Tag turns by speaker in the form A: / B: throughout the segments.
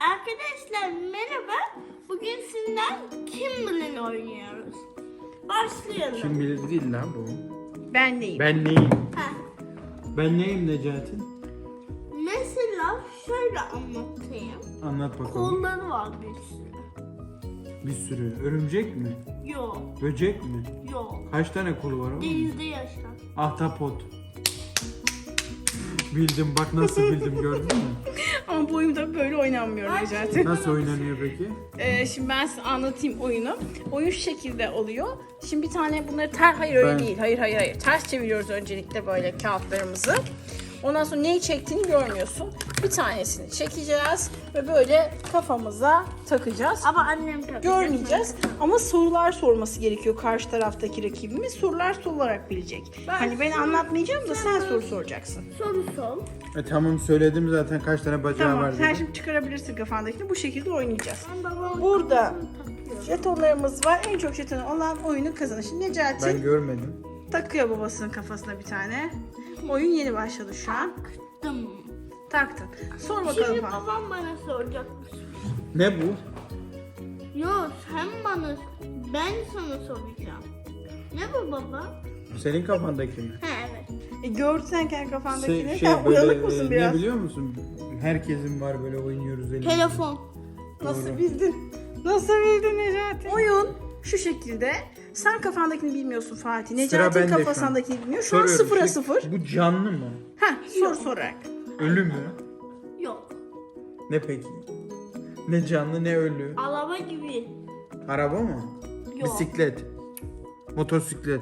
A: Arkadaşlar merhaba. Bugün sizden Kim Bilir oynuyoruz. Başlayalım.
B: Kim bilir değil lan bu.
C: Ben neyim?
B: Ben neyim?
A: Ha.
B: Ben neyim Necati?
A: Mesela şöyle anlatayım.
B: Anlat bakalım.
A: Kolları var bir sürü.
B: Bir sürü. Örümcek mi?
A: Yok,
B: Böcek mi?
A: yok.
B: Kaç tane kolu var oğlum?
A: Denizde yaşar.
B: Ahtapot. Bildim bak nasıl bildim gördün mü?
C: Ama bu oyunda böyle oynanmıyor Necati.
B: Nasıl oynanıyor peki?
C: Şimdi ben size anlatayım oyunu. Oyun şu şekilde oluyor. Şimdi bir tane bunları hayır öyle
B: Ben-
C: değil. Hayır. Ters çeviriyoruz öncelikle böyle kağıtlarımızı. Ondan sonra neyi çektiğini görmüyorsun. Bir tanesini çekeceğiz ve böyle kafamıza takacağız.
A: Ama annem tabii.
C: Görmeyeceğiz ama sorular sorması gerekiyor karşı taraftaki rakibimiz. Sorular sorularak bilecek. Hani ben anlatmayacağım da sen soru soracaksın.
A: Soru sor.
B: Tamam söyledim zaten kaç tane bacağı
C: Tamam,
B: var
C: sen
B: dedim.
C: şimdi çıkarabilirsin kafandakini. Bu şekilde oynayacağız.
A: Ben babamın
C: Burada
A: kafasını takıyorum.
C: jetonlarımız var. En çok jetonu olan oyunun kazanır. Şimdi Necati
B: Ben görmedim.
C: takıyor babasının kafasına bir tane. Oyun yeni başladı şu an.
A: Dım.
C: Taktın. Sor bakalım
A: Şimdi
C: falan.
A: babam bana soracakmış.
B: Ne bu?
A: Yok sen bana, ben sana soracağım. Ne bu baba?
B: Senin kafandaki mi?
A: Ha evet.
C: Gördün sen kendi kafandakini. Sen
B: böyle
C: uyanık mısın
B: ne
C: biraz?
B: biliyor musun? Herkesin var böyle oynuyoruz elimizde.
A: Telefon.
C: Nasıl
B: Doğru.
C: bildin? Nasıl bildin Necati? Oyun şu şekilde. Sen kafandakini bilmiyorsun Fatih. Necati
B: bende şu an.
C: kafasındakini bilmiyor. Şu an
B: Soruyorum,
C: 0'a
B: şey,
C: 0.
B: Bu canlı mı?
C: Soru sorarak.
B: Ölü mü?
A: Yok.
B: Ne peki? Ne canlı ne ölü?
A: Araba gibi.
B: Araba mı?
A: Yok.
B: Bisiklet. Motosiklet.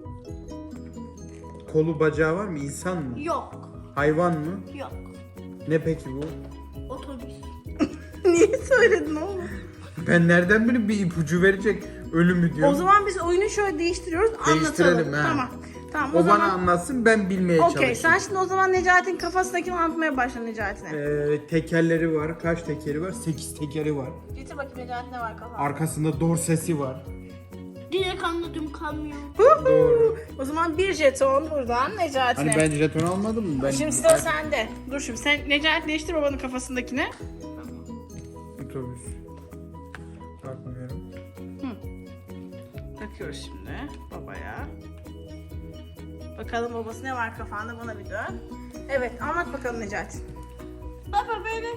B: Kolu bacağı var mı? İnsan mı?
A: Yok.
B: Hayvan mı?
A: Yok.
B: Ne peki bu?
A: Otobüs.
C: Niye söyledin oğlum?
B: Ben nereden bileyim bir ipucu verecek ölü mü diyor.
C: O zaman biz oyunu şöyle değiştiriyoruz.
B: Değiştirelim,
C: Anlatalım.
B: ha.
C: Tamam. Tamam
B: o
C: o
B: bana
C: zaman.
B: anlatsın ben bilmeye
C: Okey
B: çalışayım.
C: sen şimdi o zaman Necati'nin kafasındakini anlatmaya başla Necati'ne.
B: Tekerleri var. Kaç tekeri var? 8 tekeri var.
C: Getir bakayım Necati ne var kafanda.
B: Arkasında dorsesi var.
A: Direkt anladım kamyon.
B: Doğru.
C: O zaman bir jeton buradan Necati'ne.
B: Hani ben jeton almadım mı? Ben
C: Şimdi sıra sende. Dur şimdi sen Necati değiştir babanın kafasındakini.
B: Otobüs. Bakmıyorum.
C: Takıyoruz şimdi babaya. Bakalım babası ne var kafanda bana bir dön. Evet anlat bakalım Necati.
A: Baba böyle.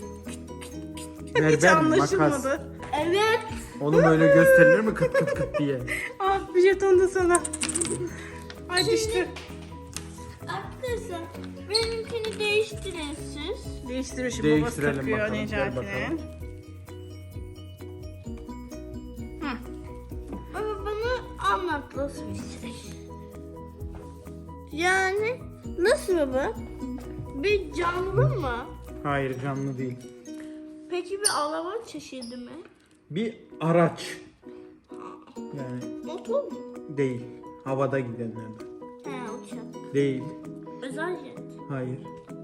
C: Hiç anlaşılmadı.
A: Evet.
B: Oğlum öyle gösterilir mi kıt kıt kıt diye?
C: Ah bir jeton da sana. Ay düştü.
A: Arkadaşlar benimkini değiştirin siz.
C: Değiştiriyor şimdi babası
B: Değiştirelim
C: takıyor
B: bakalım, gel
C: Necati'nin.
B: bakalım.
A: Baba bana anlat nasıl bir şey. Yani nasıl baba? Bir canlı mı?
B: Hayır canlı değil.
A: Peki bir araba çeşidi mi?
B: Bir araç. Yani
A: Motor mu?
B: değil. Havada gidenlerden.
A: He uçak.
B: Değil.
A: Özel jet.
B: Hayır.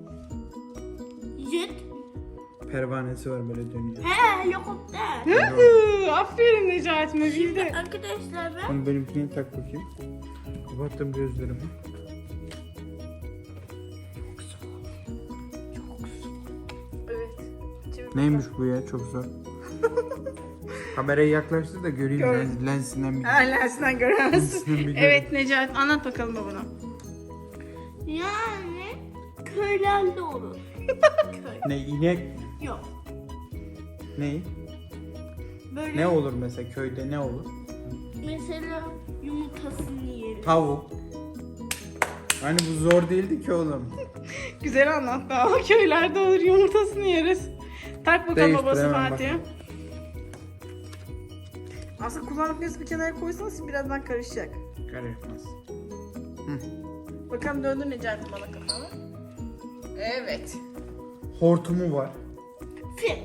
A: Jet.
B: Pervanesi var böyle dönüyor.
A: He helikopter.
C: Aferin Necati'me bildi.
A: Arkadaşlar ben
B: Onu benimkine tak bakayım. Kapattım gözlerimi.
C: Evet. Çevir
B: Neymiş bu ya çok zor. Kamerayı yaklaştır da göreyim
C: Gör.
B: lensinden bir.
C: Lensinden göremezsin.
B: Lensinden bir
C: Evet Necati anlat bakalım babana.
A: yani köylerde olur. Köy.
B: Ne inek mi?
A: Yok.
B: Ne?
A: Böyle
B: Ne olur mesela köyde ne olur?
A: mesela yumurtasını yeriz.
B: Tavuk. Hani bu zor değildi ki oğlum.
C: Güzel anlattı ama köylerde olur yumurtasını yeriz. Tak bakalım
B: Değiştir,
C: babası
B: hemen
C: Fatih'e. Aslında kullandıklarınızı bir kenara koysanız birazdan karışacak.
B: Karışmaz.
C: Bakalım döndür Necati bana kafanı. Evet.
B: Hortumu var.
A: Fil.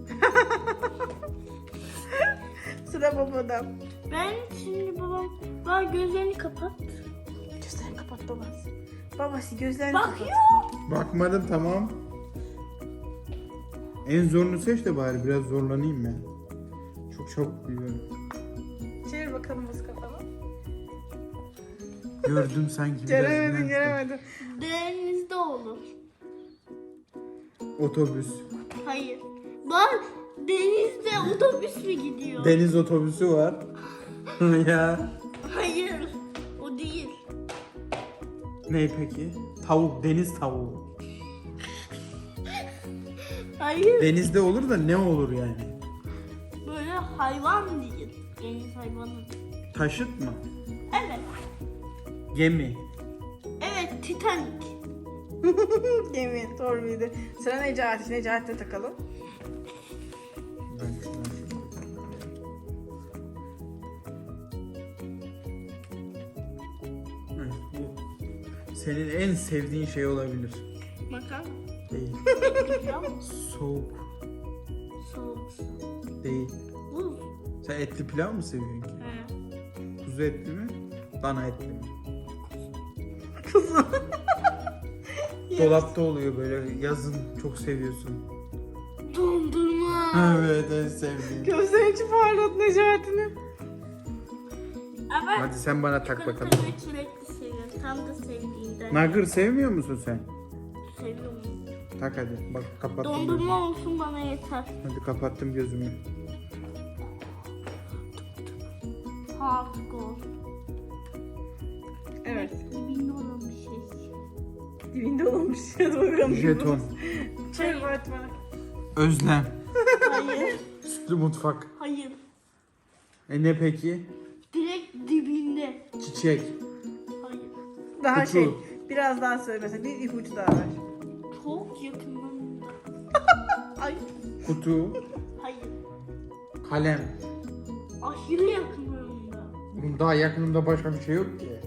C: Sıra babada.
A: Ben şimdi baba gözlerini kapat.
C: Gözlerini kapat babası. Babası gözlerini
A: Bakıyor.
C: kapat.
B: Bakmadım tamam. En zorunu seç de bari biraz zorlanayım ben. Çok çabuk biliyorum.
C: Çevir bakalım babası kafanı.
B: Gördüm sanki biraz.
C: Göremedin
B: neyse.
C: göremedin.
A: Denizde olur.
B: Otobüs.
A: Hayır. Bak denizde otobüs mü gidiyor?
B: Deniz otobüsü var. Ya.
A: Hayır. O değil.
B: Ne peki? Tavuk, deniz tavuğu.
A: Hayır.
B: Denizde olur da ne olur yani?
A: Böyle hayvan değil. Deniz hayvanı.
B: Taşıt mı?
A: Evet.
B: Gemi.
A: Evet, Titanic.
C: Gemi, doğru bildi. Sıra Necati. Necati'de takalım.
B: Ben şuradan Evet, bu senin en sevdiğin şey olabilir.
A: Makarna.
B: Değil.
A: Pilav.
B: Soğuk.
A: Soğuk.
B: Değil.
A: Buz.
B: Sen etli pilav mı seviyorsun ki?
A: He.
B: Kuzu etli mi? Dana etli mi?
C: Kuzu.
B: Dolapta oluyor böyle yazın çok seviyorsun.
A: Dondurma.
B: Evet en sevdiğim.
C: Gözlerin içi parlat Necati'nin.
A: Ama
B: Hadi sen bana tak bakalım.
A: çikolatayı sürekli seviyorum. Tam da sevdiğimden.
B: Nugget sevmiyor musun sen?
A: Seviyorum.
B: Tak hadi. Bak kapattım gözümü.
A: Dondurma olsun bana yeter.
B: Hadi kapattım gözümü.
A: Artık ol.
C: Evet.
A: Dibinde olan bir şey.
C: Dibinde olmuş. Hadi bakalım.
B: Jeton.
C: Çevir Batman.
B: Özlem.
A: Hayır.
B: Sütlü mutfak.
A: Hayır.
B: Ne peki?
A: Direkt dibinde.
B: Çiçek.
A: Hayır.
C: Daha
B: Kutu.
C: şey. Biraz daha söyle mesela. Bir ipucu daha ver.
A: Çok yakınında.
C: Ay.
B: Kutu.
A: Hayır.
B: Kalem.
A: Aşırı yakınında.
B: Bunun daha yakınında başka bir şey yok ki.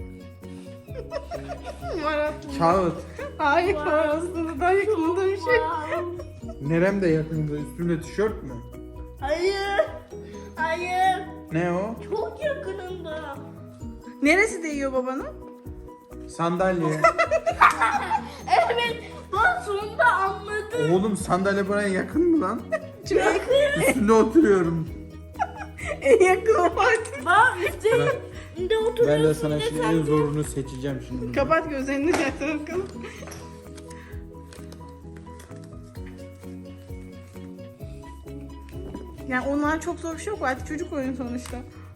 C: Marat.
B: Kağıt.
C: Hayır var aslında daha yakınında bir şey.
B: Neremde yakınında? Üstünde tişört mü?
A: Hayır. Hayır.
B: Ne o?
A: Çok yakınında.
C: Neresi değiyor babanın?
B: Sandalye.
A: Evet. Ben sonunda anladım.
B: Oğlum sandalye bana yakın mı lan?
C: Çok
B: Üstünde oturuyorum.
C: en yakın o Fatih.
A: Ben üstünde oturuyorsun.
B: Ben de sana
A: ne
B: şimdi
A: sen-
B: en zorunu seçeceğim şimdi.
C: Kapat gözlerini Necati bakalım. Yani onlar çok zor bir şey yok. Fatih çocuk oyunu sonuçta.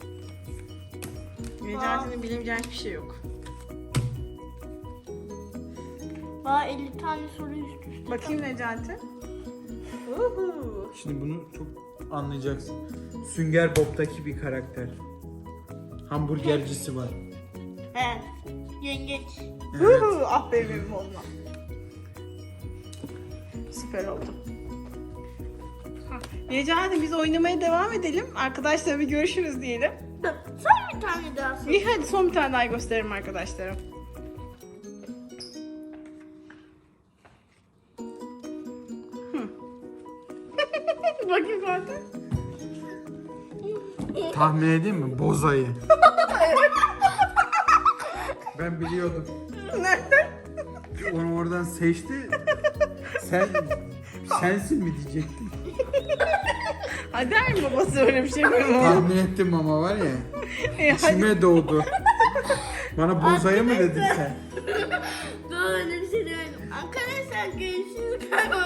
C: Necati'nin bilemeyeceği hiçbir şey yok.
A: Bana 50 tane soru üst üste.
C: Bakayım Necati. Uhu.
B: Şimdi bunu çok anlayacaksın. Sünger Bob'taki bir karakter. Hamburgercisi var.
A: He. Yengeç.
B: Evet.
C: Uhu. Ah benim oğlum. Süper oldu. Ha, Necati biz oynamaya devam edelim. Arkadaşlar bir görüşürüz diyelim.
A: Sen bir tane daha sor.
C: İyi hadi son bir tane daha gösteririm arkadaşlara. Bakayım zaten.
B: Tahmin edeyim mi? Bozayı. Ben biliyordum.
C: Nereden?
B: Onu oradan seçti. Sensin mi diyecektim.
C: Hadi der mi babası öyle bir şey benim oğlum?
B: Tahmin ettim ama var ya.
C: Hadi.
B: İçime doğdu. Bana bozayı mı dedin sen?
A: Böyle bir şey demedim. Arkadaşlar görüşürüz.